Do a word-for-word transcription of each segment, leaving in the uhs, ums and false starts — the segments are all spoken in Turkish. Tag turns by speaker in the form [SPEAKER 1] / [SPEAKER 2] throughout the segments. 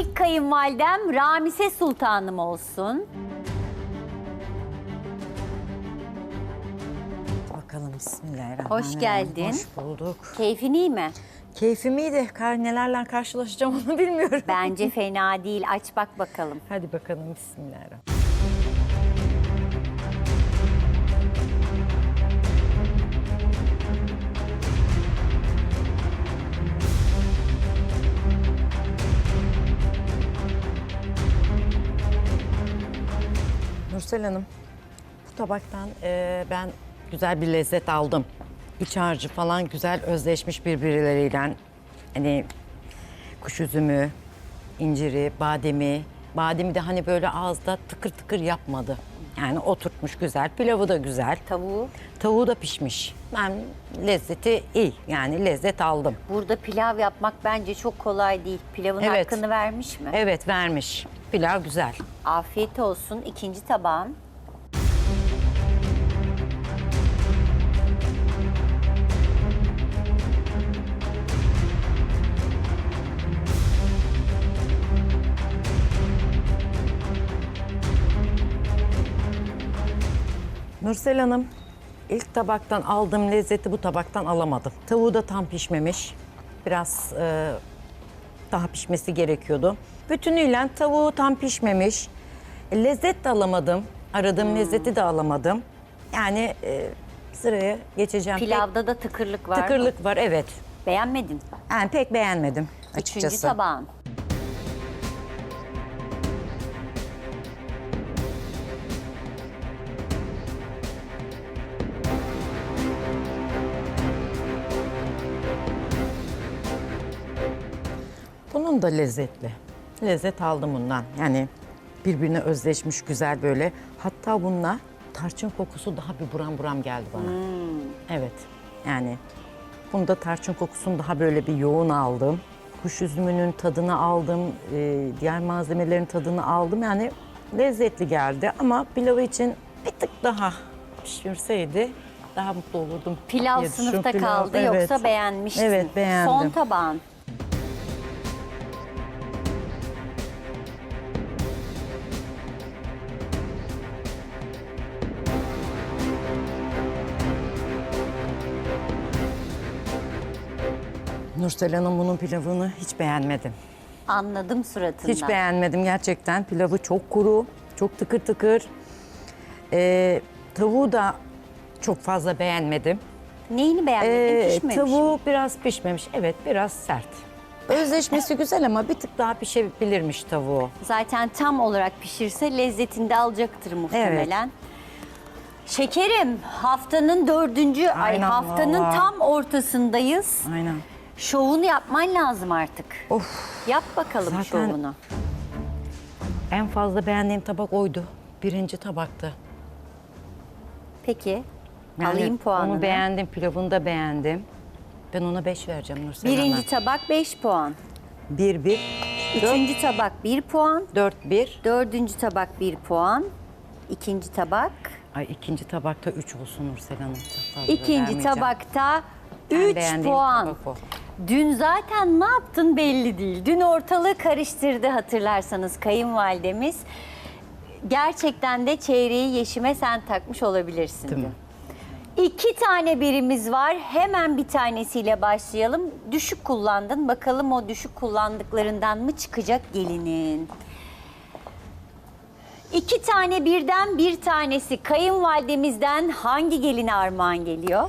[SPEAKER 1] İlk kayınvalidem Ramise Sultanım olsun.
[SPEAKER 2] Bakalım, bismillahirrahmanirrahim.
[SPEAKER 1] Hoş geldin.
[SPEAKER 2] Hoş bulduk.
[SPEAKER 1] Keyfin iyi mi?
[SPEAKER 2] Keyfim iyiydi. Kar nelerle karşılaşacağım onu bilmiyorum.
[SPEAKER 1] Bence fena değil. Aç bak bakalım.
[SPEAKER 2] Hadi bakalım, bismillahirrahmanirrahim. Nursel Hanım, bu tabaktan e, ben güzel bir lezzet aldım. İç harcı falan güzel özleşmiş birbirleriyle. Hani kuş üzümü, inciri, bademi. Bademi de hani böyle ağızda tıkır tıkır yapmadı. Yani oturtmuş güzel. Pilavı da güzel.
[SPEAKER 1] Tavuğu.
[SPEAKER 2] Tavuğu da pişmiş. Ben lezzeti iyi. Yani lezzet aldım.
[SPEAKER 1] Burada pilav yapmak bence çok kolay değil. Pilavın
[SPEAKER 2] Evet.
[SPEAKER 1] hakkını vermiş mi?
[SPEAKER 2] Evet, vermiş. Pilav güzel.
[SPEAKER 1] Afiyet olsun. İkinci tabağın.
[SPEAKER 2] Nursel Hanım, ilk tabaktan aldığım lezzeti bu tabaktan alamadım. Tavuğu da tam pişmemiş. Biraz e, daha pişmesi gerekiyordu. Bütünüyle tavuğu tam pişmemiş. E, lezzet de alamadım. Aradığım lezzeti de alamadım. Yani e, sıraya geçeceğim.
[SPEAKER 1] Pilavda da tıkırlık var
[SPEAKER 2] Pek,
[SPEAKER 1] mı?
[SPEAKER 2] tıkırlık var, evet.
[SPEAKER 1] Beğenmedin.
[SPEAKER 2] Yani pek beğenmedim açıkçası.
[SPEAKER 1] Üçüncü tabağın.
[SPEAKER 2] Bunun da lezzetli. Lezzet aldım bundan. Yani birbirine özleşmiş güzel böyle. Hatta bununla tarçın kokusu daha bir buram buram geldi bana. Evet. Yani bunda tarçın kokusunu daha böyle bir yoğun aldım. Kuş üzümünün tadını aldım. e, diğer malzemelerin tadını aldım. Yani lezzetli geldi ama pilavı için bir tık daha pişirseydi daha mutlu olurdum.
[SPEAKER 1] Pilav
[SPEAKER 2] diye düşünüyorum.
[SPEAKER 1] sınıfta
[SPEAKER 2] Pilav,
[SPEAKER 1] kaldı
[SPEAKER 2] evet.
[SPEAKER 1] yoksa beğenmişsin.
[SPEAKER 2] Evet, beğendim.
[SPEAKER 1] Son tabağın.
[SPEAKER 2] Nursel Hanım, bunun pilavını hiç beğenmedim.
[SPEAKER 1] Anladım suratından.
[SPEAKER 2] Hiç beğenmedim gerçekten. Pilavı çok kuru, çok tıkır tıkır. Ee, tavuğu da çok fazla beğenmedim.
[SPEAKER 1] Neyini beğenmedin?
[SPEAKER 2] Ee,
[SPEAKER 1] Pişmemiş
[SPEAKER 2] tavuğu
[SPEAKER 1] mi?
[SPEAKER 2] biraz pişmemiş. Evet, biraz sert. Özleşmesi güzel ama bir tık daha pişebilirmiş tavuğu.
[SPEAKER 1] Zaten tam olarak pişirse lezzetini de alacaktır muhtemelen. Şekerim, haftanın dördüncü, ay
[SPEAKER 2] Aynen
[SPEAKER 1] haftanın
[SPEAKER 2] vallahi.
[SPEAKER 1] tam ortasındayız.
[SPEAKER 2] Aynen.
[SPEAKER 1] Şovunu yapman lazım artık.
[SPEAKER 2] Of.
[SPEAKER 1] Yap bakalım
[SPEAKER 2] Zaten-
[SPEAKER 1] şovunu.
[SPEAKER 2] En fazla beğendiğim tabak oydu. Birinci tabaktı.
[SPEAKER 1] Peki,
[SPEAKER 2] Yani
[SPEAKER 1] alayım puanını.
[SPEAKER 2] Onu beğendim, pilavını da beğendim. Ben ona beş vereceğim Nursel Hanım.
[SPEAKER 1] Birinci tabak beş puan.
[SPEAKER 2] Bir, bir,
[SPEAKER 1] Üçüncü tabak bir puan.
[SPEAKER 2] dört, bir.
[SPEAKER 1] Dördüncü tabak bir puan. İkinci tabak.
[SPEAKER 2] Ay, ikinci tabakta üç olsun Nursel Hanım. Çok fazla
[SPEAKER 1] İkinci
[SPEAKER 2] vermeyeceğim.
[SPEAKER 1] tabakta
[SPEAKER 2] En
[SPEAKER 1] üç
[SPEAKER 2] beğendiğim
[SPEAKER 1] puan.
[SPEAKER 2] tabak o.
[SPEAKER 1] Dün zaten ne yaptın belli değil. Dün ortalığı karıştırdı hatırlarsanız kayınvalidemiz. Gerçekten de çeyreği Yeşim'e sen takmış olabilirsin.
[SPEAKER 2] Değil mi?
[SPEAKER 1] dün. İki tane birimiz var. Hemen bir tanesiyle başlayalım. Düşük kullandın. Bakalım o düşük kullandıklarından mı çıkacak gelinin? İki tane birden bir tanesi kayınvalidemizden hangi geline armağan geliyor?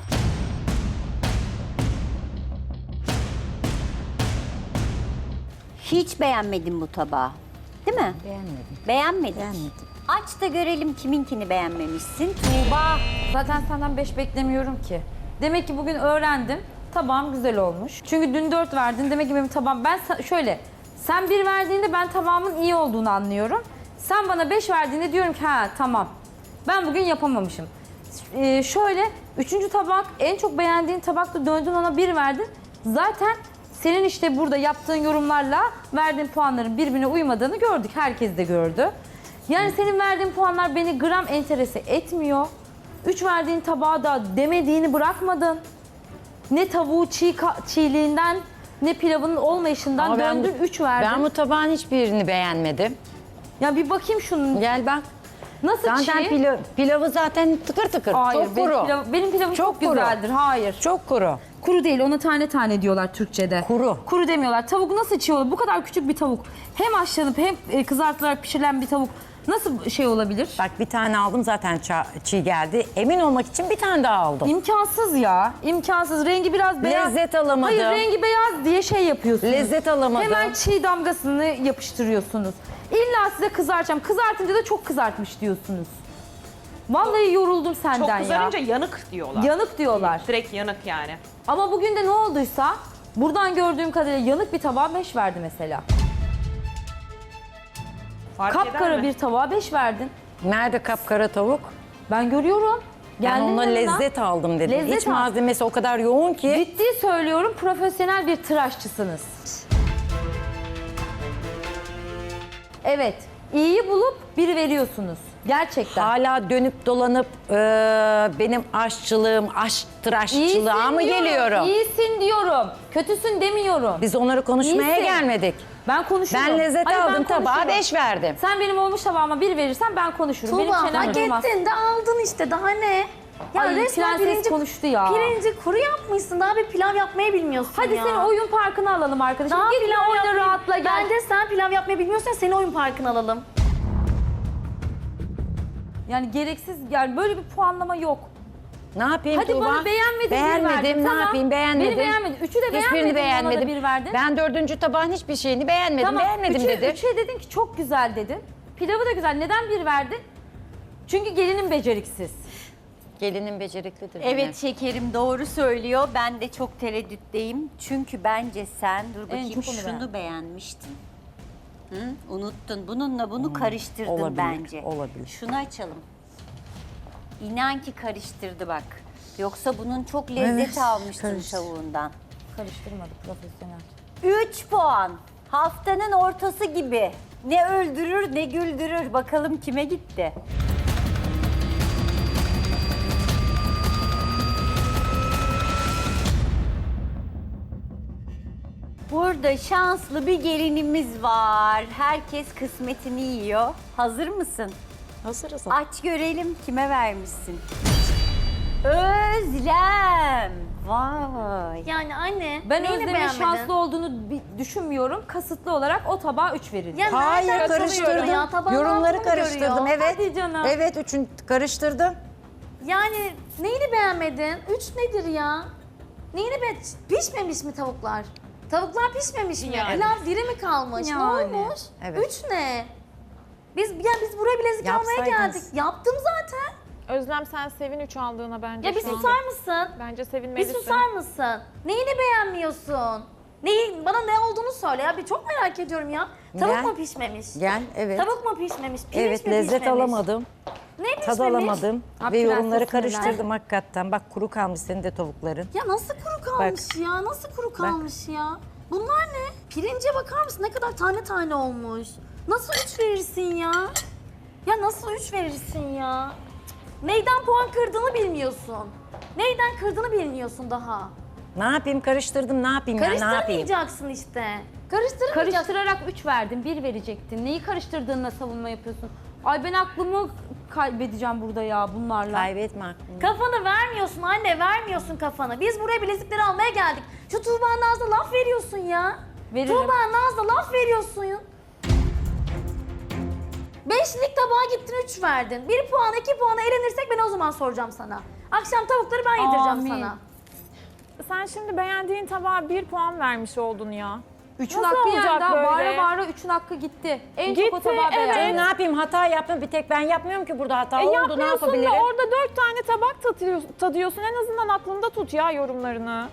[SPEAKER 1] Hiç beğenmedim bu tabağı. Değil mi?
[SPEAKER 2] Beğenmedim.
[SPEAKER 1] Beğenmedin.
[SPEAKER 2] Beğenmedim.
[SPEAKER 1] Aç da görelim kiminkini beğenmemişsin. Tuğba.
[SPEAKER 3] Zaten senden beş beklemiyorum ki. Demek ki bugün öğrendim. Tabağım güzel olmuş. Çünkü dün dört verdin. Demek ki benim tabağım... Ben sa- şöyle... Sen bir verdiğinde ben tabağımın iyi olduğunu anlıyorum. Sen bana beş verdiğinde diyorum ki ha tamam. Ben bugün yapamamışım. Ee, şöyle üçüncü tabak en çok beğendiğin tabakta döndün ona bir verdin. Zaten senin işte burada yaptığın yorumlarla verdiğin puanların birbirine uymadığını gördük. Herkes de gördü. Yani senin verdiğin puanlar beni gram enterese etmiyor. Üç verdiğin tabağa da demediğini bırakmadın. Ne tavuğu çiğ ka- çiğliğinden ne pilavının olmayışından
[SPEAKER 2] Ama ben bu-
[SPEAKER 3] döndün üç verdin.
[SPEAKER 2] Ben bu tabağın hiçbirini beğenmedim.
[SPEAKER 3] Ya bir bakayım şunun.
[SPEAKER 2] Gel bak.
[SPEAKER 3] Nasıl
[SPEAKER 2] Zaten
[SPEAKER 3] çiğ?
[SPEAKER 2] pilav, pilavı zaten tıkır tıkır.
[SPEAKER 3] Hayır,
[SPEAKER 2] çok
[SPEAKER 3] benim,
[SPEAKER 2] kuru.
[SPEAKER 3] pilav- benim pilavım çok,
[SPEAKER 2] Çok kuru.
[SPEAKER 3] güzeldir. Hayır.
[SPEAKER 2] Çok kuru.
[SPEAKER 3] Kuru değil, ona tane tane diyorlar Türkçe'de.
[SPEAKER 2] Kuru.
[SPEAKER 3] Kuru demiyorlar. Tavuk nasıl çiğ olur? Bu kadar küçük bir tavuk. Hem haşlanıp hem e, kızartılarak pişirilen bir tavuk nasıl şey olabilir?
[SPEAKER 2] Bak bir tane aldım zaten ça- çiğ geldi. Emin olmak için bir tane daha aldım.
[SPEAKER 3] İmkansız ya. İmkansız. Rengi biraz beyaz.
[SPEAKER 2] Lezzet alamadım.
[SPEAKER 3] Hayır, rengi beyaz diye şey yapıyorsunuz.
[SPEAKER 2] Lezzet alamadım.
[SPEAKER 3] Hemen çiğ damgasını yapıştırıyorsunuz. İlla size kızartacağım. Kızartınca da çok kızartmış diyorsunuz. Vallahi yoruldum senden
[SPEAKER 4] Çok
[SPEAKER 3] ya.
[SPEAKER 4] kızarınca yanık diyorlar.
[SPEAKER 3] Yanık diyorlar.
[SPEAKER 4] Direkt yanık yani.
[SPEAKER 3] Ama bugün de ne olduysa buradan gördüğüm kadarıyla yanık bir tabağa beş verdi mesela.
[SPEAKER 4] Fark eder
[SPEAKER 3] Kapkara
[SPEAKER 4] mi?
[SPEAKER 3] bir tabağa beş verdin.
[SPEAKER 2] Nerede kapkara tavuk?
[SPEAKER 3] Ben görüyorum.
[SPEAKER 2] Ben
[SPEAKER 3] Geldin
[SPEAKER 2] onunla
[SPEAKER 3] yanına.
[SPEAKER 2] lezzet aldım dedim.
[SPEAKER 3] Lezzet
[SPEAKER 2] İç
[SPEAKER 3] al.
[SPEAKER 2] malzemesi o kadar yoğun ki.
[SPEAKER 3] Ciddi söylüyorum, profesyonel bir tıraşçısınız. Evet, iyiyi bulup bir veriyorsunuz. Gerçekten.
[SPEAKER 2] Hala dönüp dolanıp e, benim aşçılığım, aşk tıraşçılığa mı
[SPEAKER 3] diyorum,
[SPEAKER 2] geliyorum?
[SPEAKER 3] İyisin diyorum. Kötüsün demiyorum.
[SPEAKER 2] Biz onları konuşmaya
[SPEAKER 3] İyisin.
[SPEAKER 2] gelmedik.
[SPEAKER 3] Ben konuşurum.
[SPEAKER 2] Ben lezzet
[SPEAKER 3] Hayır, ben
[SPEAKER 2] aldım, tabağa
[SPEAKER 3] konuşurum.
[SPEAKER 2] beş verdim.
[SPEAKER 3] Sen benim olmuş tabağıma bir verirsen ben konuşurum. benim
[SPEAKER 5] Tuğba
[SPEAKER 3] çenem
[SPEAKER 5] hak
[SPEAKER 3] durmaz.
[SPEAKER 5] ettin de aldın işte daha ne? Ya
[SPEAKER 3] Ay,
[SPEAKER 5] resmen
[SPEAKER 3] prenses
[SPEAKER 5] pirinci,
[SPEAKER 3] konuştu ya.
[SPEAKER 5] pirinci kuru yapmışsın, daha bir pilav yapmayı bilmiyorsun
[SPEAKER 3] Hadi
[SPEAKER 5] ya.
[SPEAKER 3] seni oyun parkına alalım arkadaşım.
[SPEAKER 5] Daha
[SPEAKER 3] Git bir
[SPEAKER 5] pilav
[SPEAKER 3] oyna
[SPEAKER 5] yapmayı-
[SPEAKER 3] rahatla gel.
[SPEAKER 5] Bence sen pilav yapmayı bilmiyorsan seni oyun parkına alalım.
[SPEAKER 3] Yani gereksiz, yani böyle bir puanlama yok.
[SPEAKER 2] Ne yapayım
[SPEAKER 3] Hadi
[SPEAKER 2] Tuğba?
[SPEAKER 3] bana beğenmedin, bir
[SPEAKER 2] Beğenmedim,
[SPEAKER 3] verdin.
[SPEAKER 2] ne
[SPEAKER 3] Tamam.
[SPEAKER 2] yapayım beğenmedim.
[SPEAKER 3] Beni beğenmedin. Üçü de
[SPEAKER 2] Hiçbirini
[SPEAKER 3] beğenmedin,
[SPEAKER 2] beğenmedim.
[SPEAKER 3] bana da bir verdin.
[SPEAKER 2] Ben dördüncü tabağın hiçbir şeyini beğenmedim.
[SPEAKER 3] Tamam,
[SPEAKER 2] beğenmedim
[SPEAKER 3] üçü,
[SPEAKER 2] dedi.
[SPEAKER 3] Üçe dedin ki çok güzel dedin. Pilavı da güzel. Neden bir verdin? Çünkü gelinin beceriksiz.
[SPEAKER 2] Gelinin beceriklidir.
[SPEAKER 1] Evet şekerim doğru söylüyor. Ben de çok tereddütteyim. Çünkü bence sen dur bakayım
[SPEAKER 3] çok onu
[SPEAKER 1] şunu
[SPEAKER 3] beğendim.
[SPEAKER 1] beğenmiştin. Hı? Unuttun. Bununla bunu karıştırdın
[SPEAKER 2] olabilir,
[SPEAKER 1] bence.
[SPEAKER 2] olabilir.
[SPEAKER 1] Şunu açalım. İnan ki karıştırdı bak. Yoksa bunun çok lezzet
[SPEAKER 2] Evet,
[SPEAKER 1] almıştın
[SPEAKER 2] karıştı.
[SPEAKER 1] tavuğundan.
[SPEAKER 3] Karıştırmadı profesyonel.
[SPEAKER 1] üç puan. Haftanın ortası gibi. Ne öldürür ne güldürür. Bakalım kime gitti? Burada şanslı bir gelinimiz var. Herkes kısmetini yiyor. Hazır mısın?
[SPEAKER 2] Hazırız.
[SPEAKER 1] Aç görelim kime vermişsin. Özlem. Vay.
[SPEAKER 5] Yani anne,
[SPEAKER 3] Ben
[SPEAKER 5] neyini
[SPEAKER 3] Özlem'in
[SPEAKER 5] beğenmedin?
[SPEAKER 3] şanslı olduğunu bi- düşünmüyorum. Kasıtlı olarak o tabağa üç verildi.
[SPEAKER 5] Ya
[SPEAKER 2] Hayır
[SPEAKER 5] nereden
[SPEAKER 2] karıştırdım.
[SPEAKER 5] tanıyorum ya? Tabağın
[SPEAKER 2] Yorumları
[SPEAKER 5] altını mı
[SPEAKER 2] karıştırdım.
[SPEAKER 5] görüyor?
[SPEAKER 2] Evet.
[SPEAKER 3] Hadi canım.
[SPEAKER 2] Evet üçün karıştırdım.
[SPEAKER 5] Yani neyini beğenmedin? Üç nedir ya? Neyini be pişmemiş mi tavuklar? Tavuklar pişmemiş mi?
[SPEAKER 4] Yani.
[SPEAKER 5] Pilav diri mi kalmış?
[SPEAKER 3] Yani.
[SPEAKER 5] Ne olmuş?
[SPEAKER 2] Evet.
[SPEAKER 5] Üç ne? Biz ya biz buraya bilezik almaya
[SPEAKER 2] Yapsaydınız.
[SPEAKER 5] geldik. Yaptım zaten.
[SPEAKER 6] Özlem sen sevin üç aldığına bence.
[SPEAKER 5] Ya bir
[SPEAKER 6] şu an.
[SPEAKER 5] susar mısın?
[SPEAKER 6] Bence
[SPEAKER 5] Bir
[SPEAKER 6] sevinmelisin.
[SPEAKER 5] susar mısın? Neyini beğenmiyorsun? Neyi, bana ne olduğunu söyle ya. Bir çok merak ediyorum ya. Tavuk
[SPEAKER 2] Gel.
[SPEAKER 5] mu pişmemiş?
[SPEAKER 2] Gel evet.
[SPEAKER 5] Tavuk mu pişmemiş? Pirinç
[SPEAKER 2] Evet
[SPEAKER 5] mi
[SPEAKER 2] lezzet
[SPEAKER 5] pişmemiş?
[SPEAKER 2] alamadım.
[SPEAKER 5] Ne pişmemiş?
[SPEAKER 2] Tad alamadım.
[SPEAKER 3] Ha,
[SPEAKER 2] Ve yorumları
[SPEAKER 3] prenses
[SPEAKER 2] karıştırdım hakikaten. Bak kuru kalmış senin de tavukların.
[SPEAKER 5] Ya nasıl kuru kalmış ya? Nasıl kuru kalmış ya? Bunlar ne? Pirince bakar mısın? Ne kadar tane tane olmuş. Nasıl üç verirsin ya? Ya nasıl üç verirsin ya? Cık, neyden puan kırdığını bilmiyorsun. Neyden kırdığını bilmiyorsun daha.
[SPEAKER 2] Ne yapayım karıştırdım ne yapayım ya ne yapayım?
[SPEAKER 5] Karıştırmayacaksın işte. Karıştırmayacaksın.
[SPEAKER 3] Karıştırarak üç verdin, bir verecektin. Neyi karıştırdığınla savunma yapıyorsun? Ay ben aklımı kaybedeceğim burada ya bunlarla.
[SPEAKER 2] Kaybetme aklını.
[SPEAKER 5] Kafanı vermiyorsun anne, vermiyorsun kafanı. Biz buraya bilezikleri almaya geldik. Şu Tuğba Naz'da laf veriyorsun ya.
[SPEAKER 3] Veririm.
[SPEAKER 5] Tuğba Naz'da laf veriyorsun. Beşlik tabağa gittin üç verdin. Bir puan, iki puana elenirsek ben o zaman soracağım sana. Akşam tavukları ben yedireceğim
[SPEAKER 3] Amin.
[SPEAKER 5] sana.
[SPEAKER 6] Sen şimdi beğendiğin tabağa bir puan vermiş oldun ya.
[SPEAKER 3] Üçün
[SPEAKER 6] Nasıl
[SPEAKER 3] hakkı
[SPEAKER 6] olacak
[SPEAKER 3] yani daha
[SPEAKER 6] böyle?
[SPEAKER 3] bağıra bağıra üçün hakkı gitti. En çok o
[SPEAKER 6] Gitti,
[SPEAKER 3] tabağı
[SPEAKER 6] evet.
[SPEAKER 2] Ben
[SPEAKER 3] beğendim.
[SPEAKER 2] ne yapayım hata yaptım bir tek ben yapmıyorum ki burada hata
[SPEAKER 6] E
[SPEAKER 2] oldu ne
[SPEAKER 6] yapmıyorsun
[SPEAKER 2] yapabilirim?
[SPEAKER 6] da orada dört tane tabak tadıyorsun, tadıyorsun. En azından aklında tut ya yorumlarını.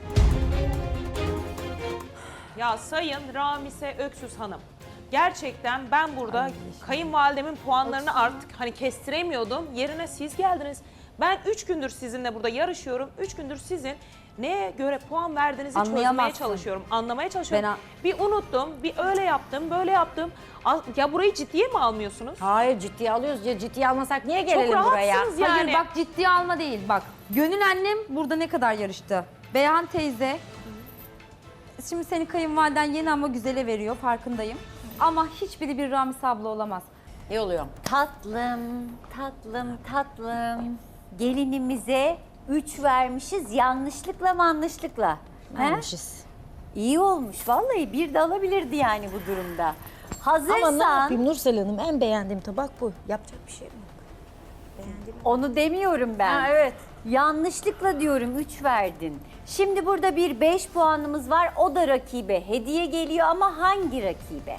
[SPEAKER 4] Ya Sayın Ramise Öksüz Hanım. Gerçekten ben burada kayınvalidemin puanlarını artık hani kestiremiyordum. Yerine siz geldiniz. Ben üç gündür sizinle burada yarışıyorum. Üç gündür sizin neye göre puan verdiğinizi çözmeye
[SPEAKER 3] Anlayamazsın.
[SPEAKER 4] çalışıyorum. Anlamaya çalışıyorum.
[SPEAKER 3] Ben a-
[SPEAKER 4] bir unuttum, bir öyle yaptım, böyle yaptım. Al- Ya burayı ciddiye mi almıyorsunuz?
[SPEAKER 2] Hayır ciddiye alıyoruz ya ciddiye almasak niye gelelim
[SPEAKER 4] Çok
[SPEAKER 2] buraya?
[SPEAKER 4] rahatsınız yani.
[SPEAKER 3] Hayır bak ciddiye alma değil bak. Gönül annem burada ne kadar yarıştı. Beyhan teyze Şimdi senin kayınvaliden yeni ama güzele veriyor farkındayım. Ama hiçbiri bir Ramise abla olamaz.
[SPEAKER 2] İyi oluyor.
[SPEAKER 1] Tatlım, tatlım, tatlım. Gelinimize üç vermişiz yanlışlıkla manlışlıkla. He?
[SPEAKER 2] Vermişiz.
[SPEAKER 1] İyi olmuş vallahi bir de alabilirdi yani bu durumda. Hazırsan
[SPEAKER 2] Ama ne yapayım Nursel Hanım, en beğendiğim tabak bu. Yapacak bir şey yok.
[SPEAKER 1] onu demiyorum ben.
[SPEAKER 6] Ha, evet.
[SPEAKER 1] Yanlışlıkla diyorum üç verdin. Şimdi burada bir beş puanımız var. O da rakibe hediye geliyor ama hangi rakibe?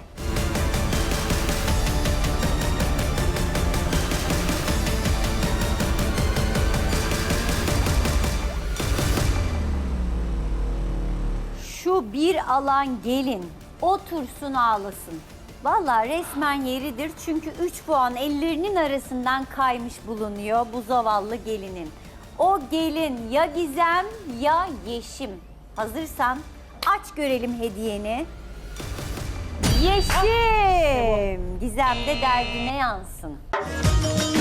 [SPEAKER 1] Şu bir alan gelin otursun ağlasın. Vallahi resmen yeridir çünkü üç puan ellerinin arasından kaymış bulunuyor bu zavallı gelinin. O gelin ya Gizem ya Yeşim. Hazırsan aç görelim hediyeni. Yeşim! Gizem de derdine yansın.